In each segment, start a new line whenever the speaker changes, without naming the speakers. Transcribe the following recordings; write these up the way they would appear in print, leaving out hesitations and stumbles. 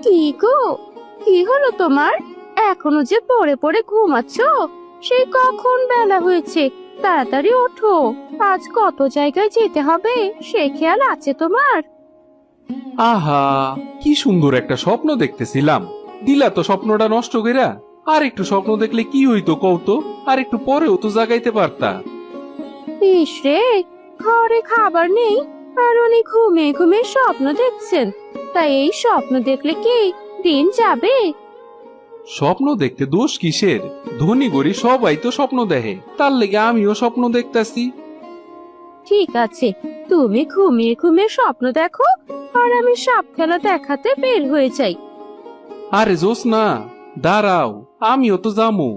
কি গো, কি হলো তোমার? এখনো যে পড়ে পড়ে ঘুমাচ্ছ? সেই কখন বেলা হয়েছে, তাড়াতাড়ি ওঠো। আজ কত জায়গায় যেতে হবে সে খেয়াল আছে তোমার?
আহা, কি সুন্দর একটা স্বপ্ন দেখতেছিলাম, দিলা তো স্বপ্নটা নষ্ট কইরা। আর একটু স্বপ্ন দেখলে কি হইতো কওতো? আর একটু পরেও তো জাগাইতে পারতা।
ইস রে, ঘরে খাবার নেই আর উনি ঘুমিয়ে ঘুমিয়ে স্বপ্ন দেখছেন। তাই এই স্বপ্ন দেখলে কি দিন যাবে?
স্বপ্ন দেখতে দোষ কিসের? ধনী গরিব সবাই তো স্বপ্ন দেখে, তার লেগে আমিও স্বপ্ন দেখতাছি।
ঠিক আছে, তুমি ঘুমিয়ে ঘুমিয়ে স্বপ্ন দেখো আর আমি সাপ খেলা দেখাতে বের হয়ে যাই।
আরে জোস না, দাঁড়াও, আমিও তো যামু।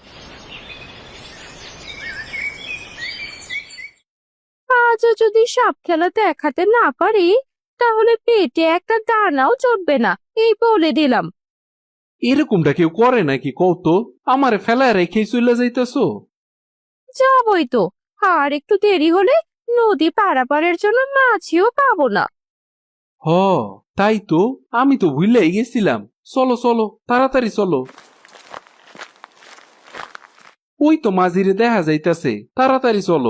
আজও যদি সাপ খেলা দেখাতে না পারি, তাহলে পেটে একটা দানাও চড়বে না, এই বলে দিলাম।
এরকমটা কেউ করে নাকি কওতো? আমারে ফেলায় রেখে চলে যাইতেছো?
যাবই তো, আর একটু দেরি হলে নদী পারাপারের জন্য মাছিও পাবো না।
হ, তাই তো, আমি তো ভুলেই গেছিলাম। চলো চলো, তাড়াতাড়ি চলো। ওই তো মাঝিরে দেখা যাইতাছে, তাড়াতাড়ি চলো।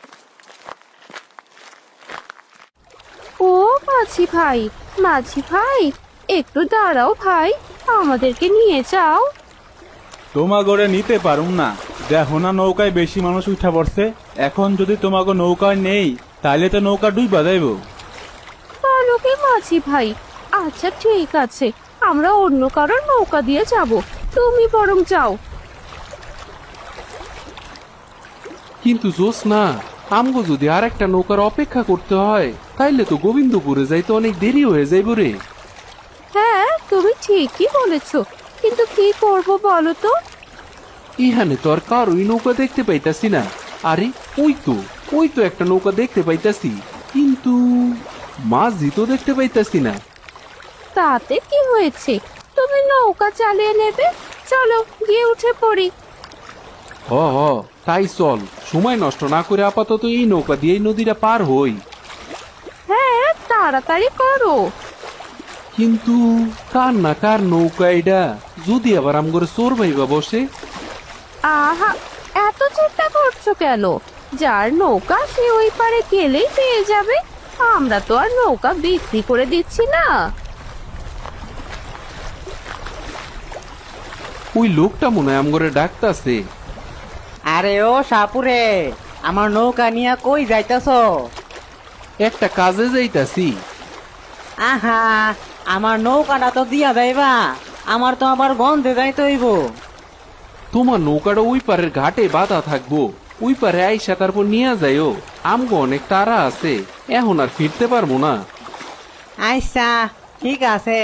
ও মাঝি ভাই, মাঝি ভাই, একটু দাঁড়াও ভাই, আমাদেরকে নিয়ে যাও।
তোমাগরে নিতে পারুম না, দেখো না নৌকায় বেশি মানুষ উঠা পড়ছে। এখন যদি তোমাকে নৌকায় নেই তাইলে তো নৌকা ডুইবা যাইব।
বলো কি মাঝি ভাই? আচ্ছা ঠিক আছে, আমরা অন্য কারোর নৌকা দিয়ে যাব, তুমি বরং যাও।
কিন্তু জোস না, আমগো যদি আর একটা নৌকার অপেক্ষা করতে হয়, তাইলে তো গোবিন্দপুরে যাইতে অনেক দেরি হয়ে যাইব রে।
হ্যাঁ, তুমি ঠিকই বলেছো, কিন্তু কি করব বলো তো?
ইহানে তো আর কারোই নৌকা দেখতে পাইতাছি না। আরে ওই তো একটা নৌকা দেখতে পাইতাছি, কিন্তু মাঝি তো দেখতে পাইতাছি না।
তাতে কি হয়েছে, তুমি নৌকা চালিয়ে নেবে, চলো গিয়ে উঠে পড়ি।
হ হ, তাই চল, সময় নষ্ট না করে আপাতত এই নৌকা দিয়ে এই নদীটা পার হই।
হ্যাঁ, তাড়াতাড়ি করো।
কিন্তু কার না কার নৌকা এটা, যদি আবার আমগরে চোর ভাইবা বসে?
আহা, এত চিন্তা করছো কেন? যার নৌকা সে ওই পারে গেলেই পেয়ে যাবে। আমরা তো আর নৌকা বিক্রি করে দিচ্ছি না।
ওই লোকটা মনে হয় আমগরে ডাকতাছে।
আরে ও সাপুরে, আমার নৌকা নিয়া কই যাইতাছ?
একটা কাজে যাইতাছি।
আহা, আমার নৌকাটা তো দিয়া যাইবা, আমার তো আবার গন্ধে যাইতে হইব।
তোমার নৌকাটা ওই পারের ঘাটে বাধা থাকবো, ওই পারে আইসা তারপর নিয়ে যাইও। আমগো অনেক তাড়া আছে, এখন আর ফিরতে পারবো না।
আচ্ছা, ঠিক আছে।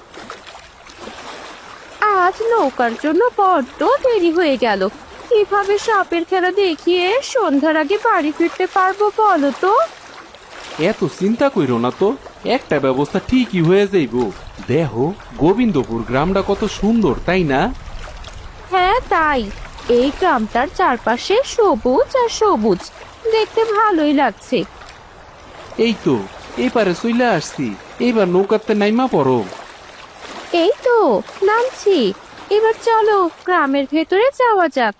আজ নৌকার জন্য বড্ড দেরি হয়ে গেল। কিভাবে সাপের খেলা দেখিয়ে সন্ধ্যার আগে বাড়ি ফিরতে পারবো বলো তো?
এত চিন্তা কইরো না তো, একটা ব্যবস্থা ঠিকই হয়ে যাইব। দেখো, গোবিন্দপুর গ্রামটা কত সুন্দর, তাই না?
হ্যাঁ তাই, এই গ্রামটার চারপাশে সবুজ আর সবুজ, দেখতে ভালোই লাগছে।
এই তো, এপারে চলে আসছি, এইবার নৌকাতে নাইমা পড়ো।
এই তো নামছি, এবার চলো গ্রামের ভেতরে যাওয়া যাক।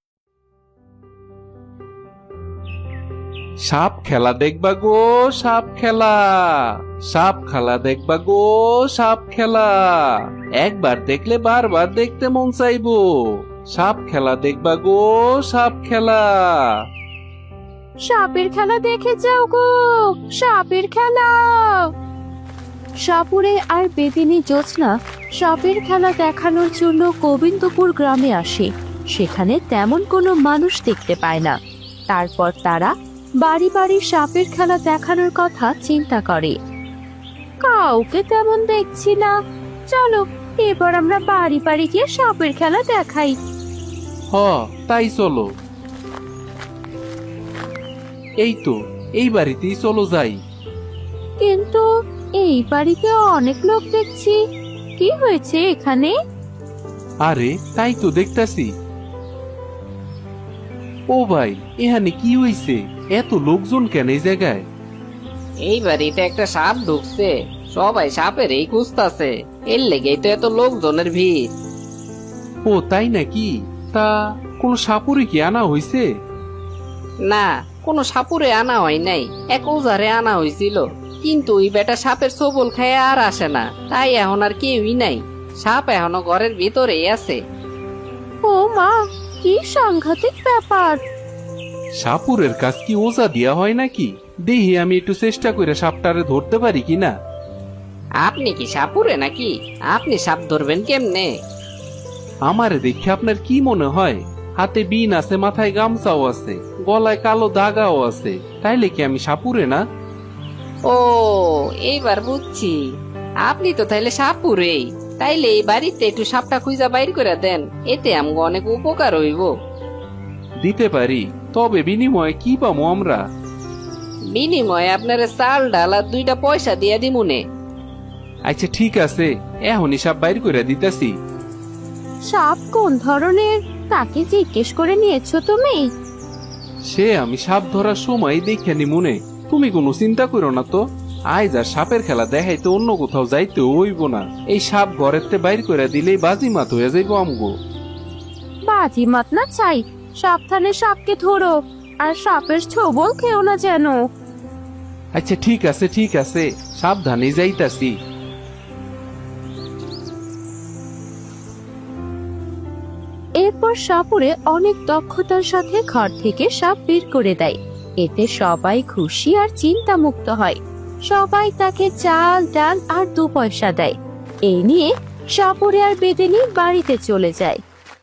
সাপ খেলা দেখবা গো, সাপ খেলা, সাপ খেলা দেখবা গো, সাপ খেলা। একবার দেখলে বারবার দেখতে মন চাইবো। সাপ খেলা দেখবা গো, সাপ খেলা।
সাপের খেলা দেখে যাও গো, সাপের খেলা। সাপুরে আর বেদিনী জ্যোৎস্না সাপের খেলা দেখানোর জন্য গোবিন্দপুর গ্রামে আসে। সেখানে তেমন কোনো মানুষ দেখতে পায় না। তারপর তারা বাড়ি বাড়ি সাপের খেলা দেখানোর কথা চিন্তা করে। কাউকে তেমন দেখছি না, চলো এবার আমরা বাড়ি বাড়ি গিয়ে সাপের খেলা দেখাই।
হ, তাই চলো। এই তো, এই বাড়িতেই চলো যাই।
কিন্তু এই বাড়িতে অনেক লোক দেখছি, কি হয়েছে এখানে?
আরে তাই তো দেখতাছি। ও ভাই, এখানে কি হইছে? এত লোকজন কেন এই জায়গায়?
এই বাড়িতে একটা সাপ ঢুকছে, সবাই সাপের এই খুঁজতাছে। এর লেগেই তো এত লোকজনের ভিড়।
ও তাই নাকি? তা কোনো সাপুরে কি আনা হইছে?
না, কোনো সাপুরে আনা হয় নাই, এক ওজারে আনা হয়েছিল, কিন্তু ওই বেটা সাপের সবল খেয়ে আর আসে না, তাই এখন আর কেউই নাই। সাপ এখনো ঘরের ভিতরেই আছে।
ও মা, কি সাংঘাতিক ব্যাপার!
সাপুরের কাজ কি ওজা দিয়া হয় নাকি? দেখি আমি একটু চেষ্টা করে সাপটারে ধরতে পারি কিনা।
আপনি কি সাপুরে নাকি? আপনি সাপ ধরবেন কেমনে?
আমারে দেখে আপনার কি মনে হয়? হাতে বিন আছে, মাথায় গামছাও আছে, গলায় কালো দাগাও আছে, তাইলে কি আমি সাপুরে না?
ও, এইবার বুঝছি, আপনি তো তাইলে সাপুরেই। তাইলে এই বাড়িতে একটু সাপটা খুঁজা বাইর করে দেন, এতে আমগো অনেক উপকার হইব।
দিতে পারি, তবে বিনিময়ে কি পাবো আমরা?
বিনিময়ে আপনার চাল ডাল আর 2টা পয়সা দিয়া দিমুনে।
আচ্ছা ঠিক আছে, এখনই সাপ বাইর করে দিতেছি।
সাপ কোন ধরনের তাকে জিজ্ঞেস করে নিয়েছো তুমি?
সে আমি সাপ ধরার সময় দেখে নি মনে, তুমি কোনো চিন্তা করো না তো। আজ আর সাপের খেলা দেখাইতে অন্য কোথাও যাইতে হইব না, এই সাপ ঘরেতে বাইর করে দিলেই বাজি মাত হয়ে যাইব আমগো।
বাজি মাত না চাই, সাবধানে সাপকে ধরো, আর সাপের ছোবল খেও না যেন।
আচ্ছা ঠিক আছে ঠিক আছে, সাবধানে যাইতাছি।
এরপর সাপুরে অনেক দক্ষতার সাথে ঘর থেকে সাপ বের করে দেয়। এতে সবাই খুশি আর চিন্তা মুক্ত হয়। সবাই তাকে চাল ডাল আর 2 পয়সা দেয়। এই নিয়ে সাপুরে আর বেদেনি বাড়িতে চলে যায়।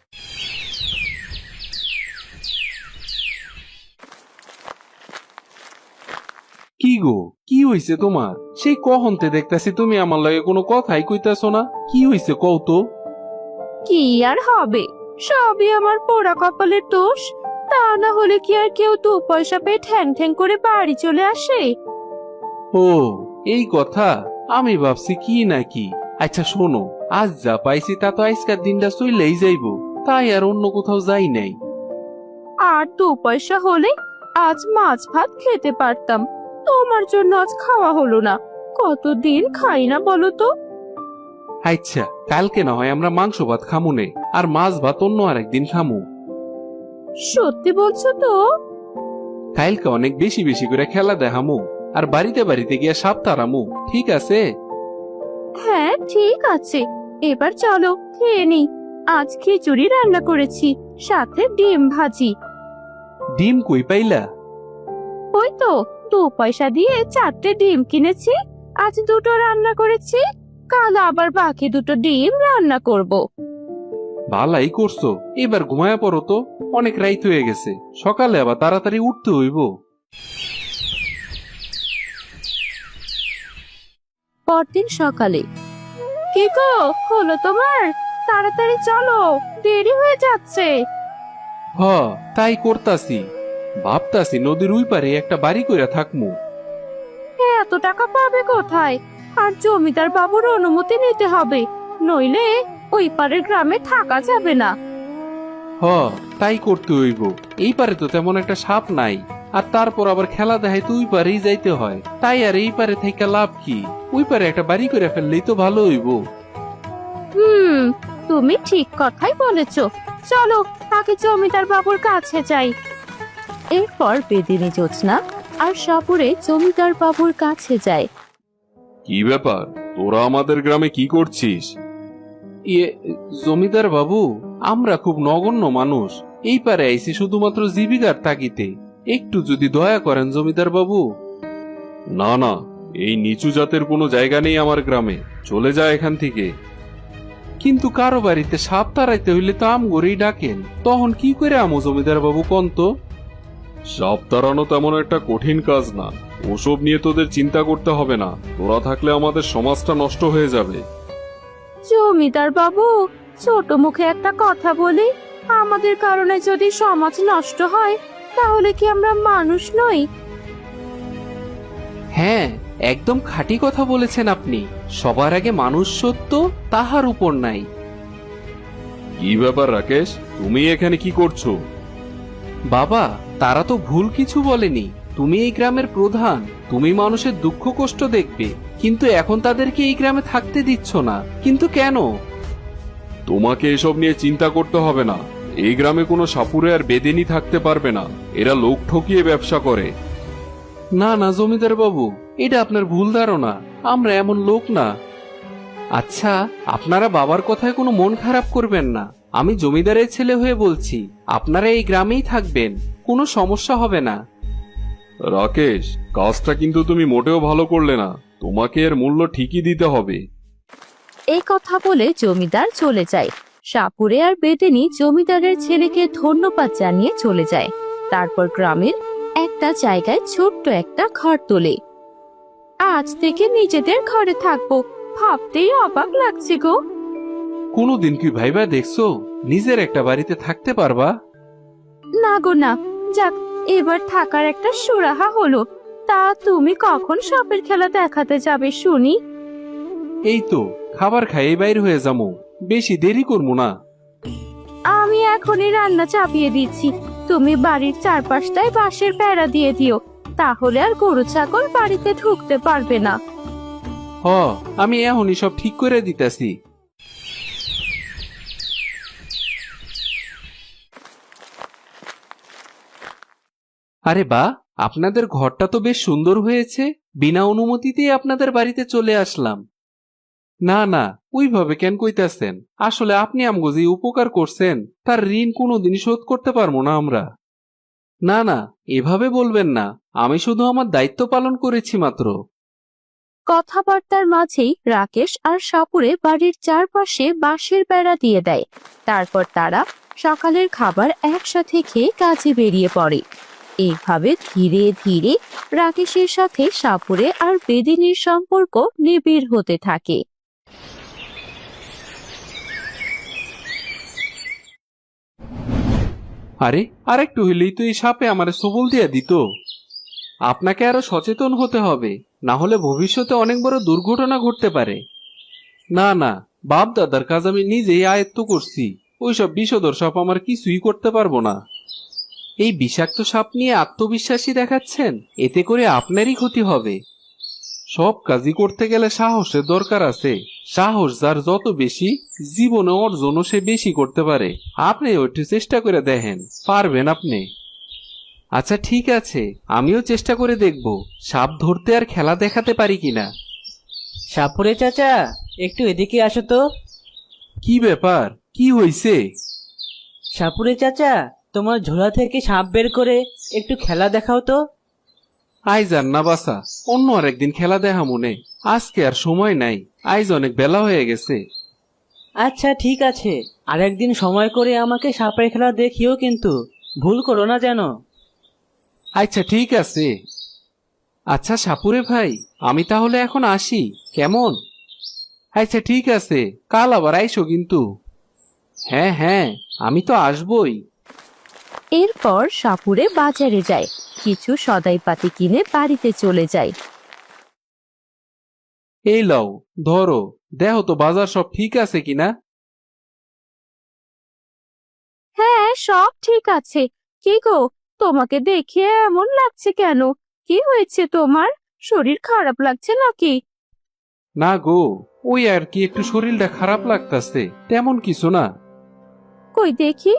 কি গো, কি হইছে তোমার? সেই কহনতে দেখতাছি তুমি আমার লগে কোনো কথাই কইতাছো না, কি হইছে কও তো?
কি আর হবে, সবই আমার পোড়া কপালের দোষ। তা না হলে কি আর কেউ 2 পয়সা পেয়ে ঠ্যাং ঠ্যাং করে বাড়ি চলে আসে?
ও এই কথা, আমি ভাবছি কি নাকি। আচ্ছা শোনো, আজ যা পাইছি তা তো আজকের দিনটা চইলেই যাইবো, তাই আর অন্য কোথাও যাই নাই।
আর 2 পয়সা হলে আজ মাছ ভাত খেতে পারতাম। তোমার জন্য আজ খাওয়া হলো না। কতদিন খাই না বলো তো?
আচ্ছা কালকে না হয় আমরা মাংস ভাত খামুনে, আর মাছ ভাত অন্য আরেকদিন খামু।
সত্যি বলছো তো?
কালকে অনেক বেশি বেশি করে খেলা দেখামু, আর বাড়িতে বাড়িতে গিয়া সাপ তাড়ামু, ঠিক আছে?
হ্যাঁ ঠিক আছে, এবার চলো খেয়ে নি। আজ খিচুড়ি রান্না করেছি, সাথে ডিম ভাজি।
ডিম কই পাইলা?
ওই তো 2 পয়সা দিয়ে 4টে ডিম কিনেছি, আজ 2টো রান্না করেছি, কাল আবার বাকি 2টো ডিম রান্না করব।
ভালাই করছো, এবার ঘুমায়া পড়ো তো, অনেক রাইত হয়ে গেছে, সকালে আবার তাড়াতাড়ি উঠতে হইব।
পরদিন সকালে, কি গো হলো তোমার? তাড়াতাড়ি চলো, দেরি হয়ে যাচ্ছে।
হ তাই করতাছি, ভাবতাছি নদীর ওই পারে একটা বাড়ি কইরা থাকমু।
এত টাকা পাবে কোথায়? আর জমিদার বাবুর অনুমতি নিতে হবে, নইলে ওই পারের গ্রামে থাকা যাবে না।
হ তাই করতে হইব, এই পারে তো তেমন একটা সাপ নাই, আর তারপর আবার খেলা দেখাই তো ওই পারেই যাইতে হয়, তাই আর এই পারে থেকে লাভ কি? ওই পারে একটা বাড়ি করে ফেললেই তো ভালো হইব।
তুমি ঠিক কথাই বলেছো, চলো আগে জমিদার বাবুর কাছে যাই। এরপর বেদিনী জোৎস্না আর সাপুরে জমিদার বাবুর কাছে যায়।
কি ব্যাপার, তোরা আমাদের গ্রামে কি করছিস? ইয়ে জমিদার বাবু, আমরা খুব নগণ্য মানুষ, এই পারে আইছি শুধুমাত্র জীবিকার তাগিদে, একটু যদি দয়া করেন জমিদার বাবু। না না, এই নিচু জাতের কোনো জায়গা নেই আমার গ্রামে, চলে যা এখান থেকে। কিন্তু কারো বাড়িতে সাপ তাড়াইতে হইলে তো আমগরেই ডাকেন, তখন কি করে আমো জমিদার বাবু কোন তো? সাপ তাড়ানো তেমন একটা কঠিন কাজ না, ওসব নিয়ে তোদের চিন্তা করতে হবে না, তোরা থাকলে আমাদের সমাজটা নষ্ট হয়ে যাবে।
জমিদার বাবু, ছোট মুখে একটা কথা বলি, আমাদের কারণে যদি সমাজ নষ্ট হয় তাহলে কি আমরা মানুষ নই?
হ্যাঁ একদম খাঁটি কথা বলেছেন আপনি, সবার আগে মানুষ সত্য, তাহার উপর নাই। কি ব্যাপার রাকেশ, তুমি এখানে কি করছো? বাবা তারা তো ভুল কিছু বলেনি, তুমি এই গ্রামের প্রধান, তুমি মানুষের দুঃখ কষ্ট দেখবে, কিন্তু এখন তাদেরকে এই গ্রামে থাকতে দিচ্ছ না, কিন্তু কেন?
তোমাকে এসব নিয়ে চিন্তা করতে হবে না। এই গ্রামে কোনো সাপুরে আর বেদেনি থাকতে পারবে না। এরা লোক ঠকিয়ে ব্যবসা করে।
না না জমিদার বাবু, এটা আপনার ভুল ধারণা, আমরা এমন লোক না। আচ্ছা, আপনারা বাবার কথায় কোনো মন খারাপ করবেন না, আমি জমিদারের ছেলে হয়ে বলছি, আপনারা এই গ্রামেই থাকবেন, কোনো সমস্যা হবে না।
রাকেশ, কাজটা কিন্তু তুমি মোটেও ভালো করলে না। তোমাকে এর মূল্য ঠিকই দিতে হবে।
এই কথা বলে জমিদার চলে যায়। সাপুরে আর বেদেনি জমিদারের ছেলেকে ধন্যবাদ জানিয়ে চলে যায়। তারপর গ্রামের একটা জায়গায় ছোট্ট একটা ঘর তোলে। আজ থেকে নিজেদের ঘরে থাকবো, ভাবতেই অবাক লাগছে গো।
কোনোদিন কি ভাইবা দেখছো নিজের একটা বাড়িতে থাকতে পারবা?
না গো না, যাক এবার থাকার একটা সুরাহা হলো। তা তুমি কখন সাপের খেলা দেখাতে যাবে শুনি?
এই তো খাবার খাইয়ে বাইর হয়ে যাবো, বেশি দেরি করবো না।
আমি এখনই রান্না চাপিয়ে দিচ্ছি, তুমি বাড়ির চারপাশটায় বাঁশের বেড়া দিয়ে দিও, তাহলে আর গরু ছাগল বাড়িতে ঢুকতে পারবে না।
হ, আমি এখনই সব ঠিক করে দিতেছি। আরে বা, আপনাদের ঘরটা তো বেশ সুন্দর হয়েছে, বিনা অনুমতিতেই আপনাদের বাড়িতে চলে আসলাম। না না, ওইভাবে কেন কইতাছেন? আসলে আপনি আমগো যে উপকার করছেন তার ঋণ কোনোদিন শোধ করতে পারবো না আমরা। না না, এভাবে বলবেন না, আমি শুধু আমার দায়িত্ব পালন করেছি মাত্র।
কথাবার্তার মাঝেই রাকেশ আর সাপুরে বাড়ির চারপাশে বাঁশের বেড়া দিয়ে দেয়। তারপর তারা সকালের খাবার একসাথে খেয়ে কাজে বেরিয়ে পড়ে। এইভাবে ধীরে ধীরে রাকেশের সাথে সাপুরে আর বেদিনীর সম্পর্ক নিবিড় হতে থাকে।
আরে, আরেকটু হইলেই তো এই সাপে আমারে সবল দিয়া দিত। আপনাকে আরো সচেতন হতে হবে, না হলে ভবিষ্যতে অনেক বড় দুর্ঘটনা ঘটতে পারে। না না, বাপ দাদার কাজ আমি নিজেই আয়ত্ত করছি, ওইসব বিষধর সাপ আমার কিছুই করতে পারবো না। এই বিষাক্ত সাপ নিয়ে আত্মবিশ্বাসী দেখাচ্ছেন, এতে করে আপনারই ক্ষতি হবে। সব কাজই করতে গেলে সাহসের দরকার আছে, সাহস যার যত বেশি, জীবনে অর্জনও সে বেশি করতে পারে। আপনি একটু চেষ্টা করে দেখেন, পারবেন আপনি। আচ্ছা ঠিক আছে, আমিও চেষ্টা করে দেখব সাপ ধরতে আর খেলা দেখাতে পারি কিনা।
সাপুরে চাচা, একটু এদিকে আসো তো।
কি ব্যাপার, কি হইছে?
সাপুরে চাচা, তোমার ঝোলা থেকে সাপ বের করে একটু খেলা দেখাও তো।
আইজ আর না বাসা, অন্য আর একদিন খেলা দেখা মনে, আজকে আর সময় নাই, আইজ অনেক বেলা হয়ে গেছে।
আচ্ছা ঠিক আছে, আরেকদিন সময় করে আমাকে সাপের খেলা দেখিও, কিন্তু ভুল করো না যেন।
আচ্ছা ঠিক আছে। আচ্ছা সাপুরে ভাই, আমি তাহলে এখন আসি, কেমন? আচ্ছা ঠিক আছে, কাল আবার আইসো কিন্তু। হ্যাঁ হ্যাঁ, আমি তো আসবই।
এরপর সাপুরে বাজারে যায়, কিছু সদাইপাতি কিনে বাড়িতে চলে যায়।
এই লও, ধরো, দেখো তো বাজার সব ঠিক আছে কিনা।
হ্যাঁ সব ঠিক আছে। কি গো, তোমাকে দেখে এমন লাগছে কেন? কি হয়েছে তোমার? শরীর খারাপ লাগছে নাকি?
না গো, ওই আর কি একটু শরীরটা খারাপ লাগতাছে, তেমন কিছু না।
কই দেখি,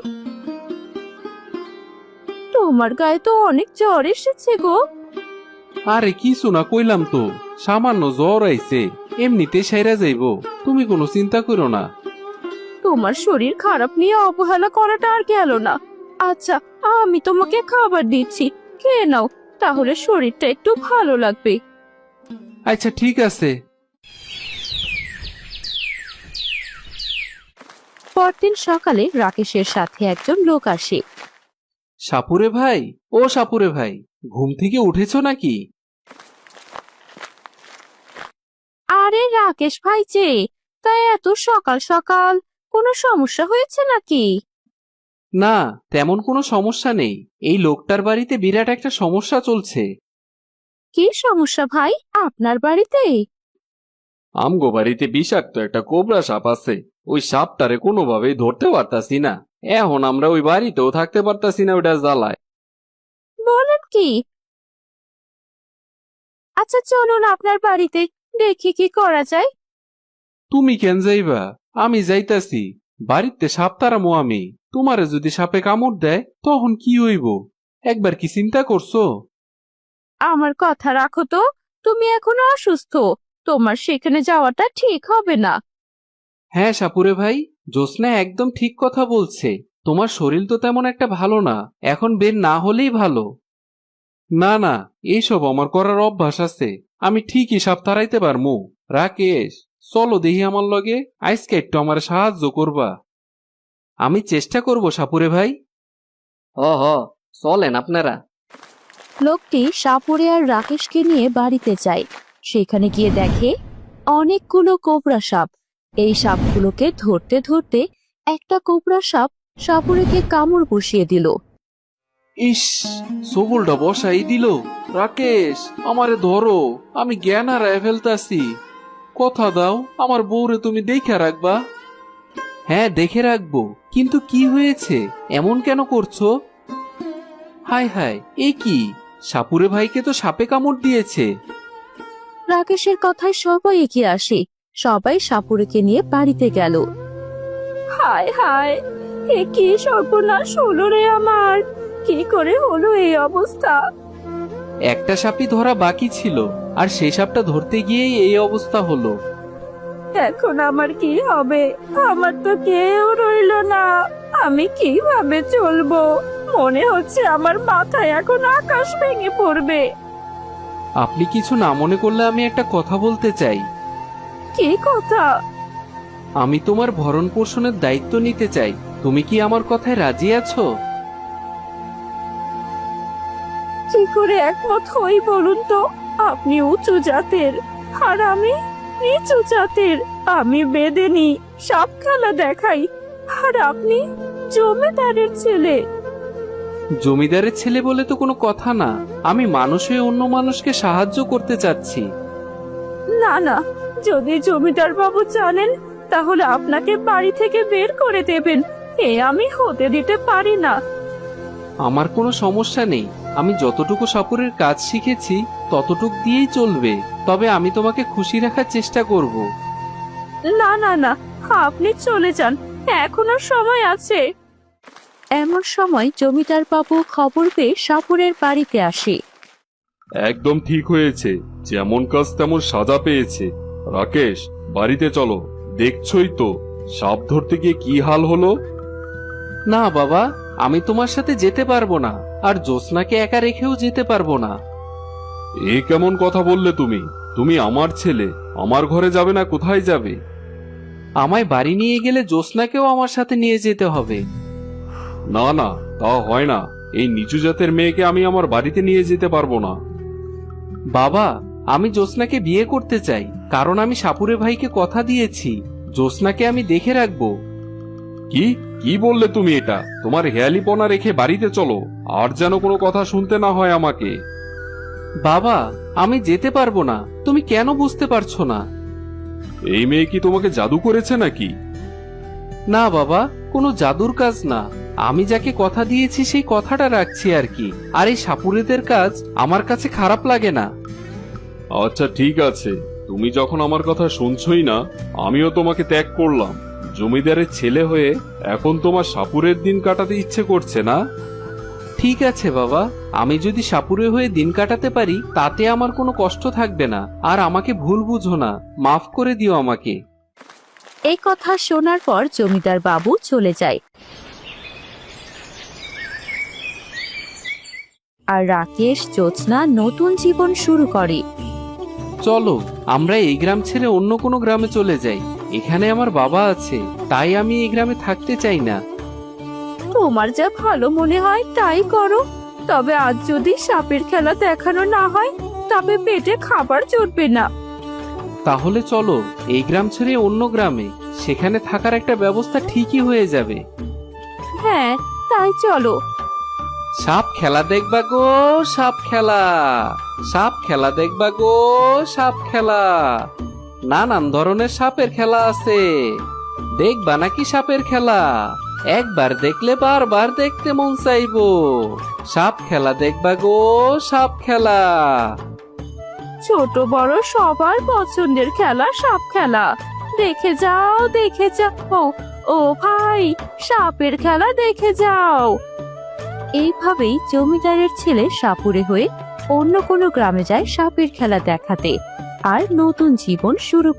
তোমার গায়ে তো অনেক জ্বর এসেছে গো।
আরে কিছু না কইলাম তো, সামান্য জ্বর আইছে, এমনিতে সেরা যাইবো, তুমি কোনো চিন্তা করো না।
তোমার শরীর খারাপ নিয়ে অবহেলা করাটা আর গেল না। আচ্ছা, আমি তোমাকে খাবার দিচ্ছি, খেয়ে নাও, তাহলে শরীরটা একটু ভালো লাগবে।
আচ্ছা ঠিক আছে।
পরদিন সকালে রাকেশের সাথে একজন লোক আসে।
সাপুরে ভাই, ও সাপুরে ভাই, ঘুম থেকে উঠেছো নাকি?
আরে রাকেশ ভাই যে, তাই এত সকাল সকাল কোনো সমস্যা হয়েছে নাকি?
না, তেমন কোনো সমস্যা নেই, এই লোকটার বাড়িতে বিরাট একটা সমস্যা চলছে।
কি সমস্যা ভাই আপনার বাড়িতে?
আমগো বাড়িতে বিষাক্ত একটা কোবরা সাপ আছে। ওই সাপটারে কোনোভাবেই ধরতে পারতাছি না। এখন আমরা ওই বাড়িতেও থাকতে পারতাছি না ওইটা জ্বালায়।
বলেন কি? আচ্ছা চলুন আপনার বাড়িতে, দেখি কি করা যায়।
তুমি কেন যাইবা? আমি যাইতাছি। বাড়িতে সাপ তারামো আমি। তোমারে যদি সাপে কামড় দেয় তখন কি হইব? একবার কি চিন্তা করছো?
আমার কথা রাখো তো, তুমি এখনো অসুস্থ, তোমার সেখানে যাওয়াটা ঠিক হবে না।
হ্যাঁ সাপুরে ভাই, জ্যোৎস্না একদম ঠিক কথা বলছে। তোমার শরীর তো তেমন একটা ভালো না, এখন বের না হলেই ভালো। না না, এইসব আমার করার অভ্যাস আছে। আমি ঠিকই সাপ তাড়াইতে পারমু। রাকেশ, চলো দেখি আমার লগে, আজকে একটু আমার সাহায্য করবা। আমি চেষ্টা করব সাপুরে ভাই।
হ চলেন আপনারা।
লোকটি সাপুরে আর রাকেশকে নিয়ে বাড়িতে যায়। সেখানে গিয়ে দেখে অনেকগুলো কোবরা সাপ। এই সাপগুলোকে ধরতে ধরতে একটা কোবরা সাপ সাপুরেকে কামড় বসিয়ে দিল।
ইস, সবলটা বসাই দিল। রাকেশ, আমারে ধরো, আমি জ্ঞান হারায় ফেলতাছি। কথা দাও, আমার বউরে তুমি দেখে রাখবা। হ্যাঁ দেখে রাখবো, কিন্তু কি হয়েছে? এমন কেন করছো? হায় হায়, এ কি? সাপুরে ভাইকে তো সাপে কামড় দিয়েছে।
রাকেশের কথায় সবাই এগিয়ে আসে। সবাই সাপুরেকে নিয়ে বাড়িতে গেল। হায় হায়, এ কি সর্বনাশ হলো রে আমার! কি করে হলো এই অবস্থা?
একটা সাপই ধরা বাকি ছিল, আর সেই সাপটা ধরতে গিয়েই এই অবস্থা হলো।
এখন আমার কি হবে? আমার তো কেউ রইলো না, আমি কিভাবে চলবো? মনে হচ্ছে আমার মাথায় এখন আকাশ ভেঙে পড়বে।
আপনি কিছু না মনে করলে আমি একটা কথা বলতে চাই।
কি কথা?
আমি তোমার ভরণ পোষণের দায়িত্ব নিতে চাই। তুমি কি আমার কথায় রাজি আছো?
কি করে একমত হই বলুন তো? আপনি উঁচু জাতের আর আমি নিচু জাতের। আমি বেদেনি, সাপ খেলা দেখাই, আর আপনি জমিদারের ছেলে।
জমিদারের ছেলে বলে তো কোনো কথা না। আমি মানুষ হয়ে অন্য মানুষকে সাহায্য করতে চাচ্ছি।
না না, যদি জমিদার বাবু জানেন তাহলে আপনাকে বাড়ি থেকে বের করে দেবেন। এ আমি হতে দিতে পারি না।
আমার কোনো সমস্যা নেই। আমি যতটুকু সাপুরের কাজ শিখেছি ততটুক দিয়েই চলবে। তবে আমি তোমাকে খুশি রাখার চেষ্টা করব।
না না না, আপনি চলে যান, এখনো সময় আছে। এমন সময় জমিদার বাবু খবর পেয়ে সাপুরের বাড়িতে আসে।
একদম ঠিক হয়েছে, যেমন কাজ তেমন সাজা পেয়েছে। রাকেশ, বাড়িতে চলো। দেখছই তো সাপ ধরতে গিয়ে কি হাল হলো।
না বাবা, আমি তোমার সাথে যেতে পারবো না, আর জ্যোৎস্নাকে একা রেখেও যেতে পারবো না।
এ কেমন কথা বললে তুমি? তুমি আমার ছেলে, আমার ঘরে যাবে না কোথায় যাবে?
আমায় বাড়ি নিয়ে গেলে জ্যোৎস্নাকেও আমার সাথে নিয়ে যেতে হবে।
না না, তা হয় না। এই নিচু জাতের মেয়েকে আমি আমার বাড়িতে নিয়ে যেতে পারবো না।
বাবা, আমি জ্যোৎস্নাকে বিয়ে করতে চাই, কারণ আমি সাপুরে ভাইকে কথা দিয়েছি জ্যোৎস্নাকে আমি দেখে রাখবো।
কি কি বললে তুমি এটা? তোমার হেয়ালিপনা রেখে বাড়িতে চলো, আর যেন কোনো কথা শুনতে না হয় আমাকে।
বাবা, আমি যেতে পারবো না। তুমি কেন বুঝতে পারছো না?
এই মেয়ে কি তোমাকে জাদু করেছে নাকি?
না বাবা, কোনো জাদুর কাজ না। আমি যাকে কথা দিয়েছি সেই কথাটা রাখছি আর কি। আর এই সাপুরেদের কাজ আমার কাছে খারাপ লাগে না।
আচ্ছা ঠিক আছে, তুমি যখন আমার কথা শুনছই না, আমিও তোমাকে ত্যাগ করলাম। জমিদারের ছেলে হয়ে এখন তোমার সাপুরের দিন কাটাতে ইচ্ছে করছে না?
ঠিক আছে বাবা, আমি যদি সাপুরে হয়ে দিন কাটাতে পারি তাতে আমার কোনো কষ্ট থাকবে না। আর আমাকে ভুল বুঝো না, মাফ করে দিও আমাকে।
এই কথা শোনার পর জমিদার বাবু চলে যায়। আর রাকেশ জ্যোৎস্না নতুন জীবন শুরু করে।
চলো আমরা এই গ্রাম ছেড়ে অন্য কোনো গ্রামে চলে যাই। এখানে আমার বাবা আছে, তাই আমি এই গ্রামে থাকতে চাই না।
তোমার যা ভালো মনে হয় তাই করো। তবে আজ যদি সাপের খেলা দেখানো না হয় তবে পেটে খাবার জুটবে না।
তাহলে চলো এই গ্রাম ছেড়ে অন্য গ্রামে, সেখানে থাকার একটা ব্যবস্থা ঠিকই হয়ে যাবে।
হ্যাঁ, তাই চলো।
সাপ খেলা দেখবা গো, সাপ খেলা। সাপ খেলা দেখবা গো, সাপ খেলা। নানান ধরনের সাপের খেলা আছে, দেখবা নাকি সাপের খেলা? একবার দেখলে বারবার দেখতে মন চাইবো। সাপ খেলা দেখবা গো, সাপ খেলা।
ছোট বড় সবার পছন্দের খেলা সাপ খেলা। দেখে যাও দেখে যাও, ও ভাই সাপের খেলা দেখে যাও। এইভাবেই জমিদারের ছেলে সাপুরে হয়ে অন্য কোনো গ্রামে যায় সাপের খেলা দেখাতে আর নতুন জীবন শুরু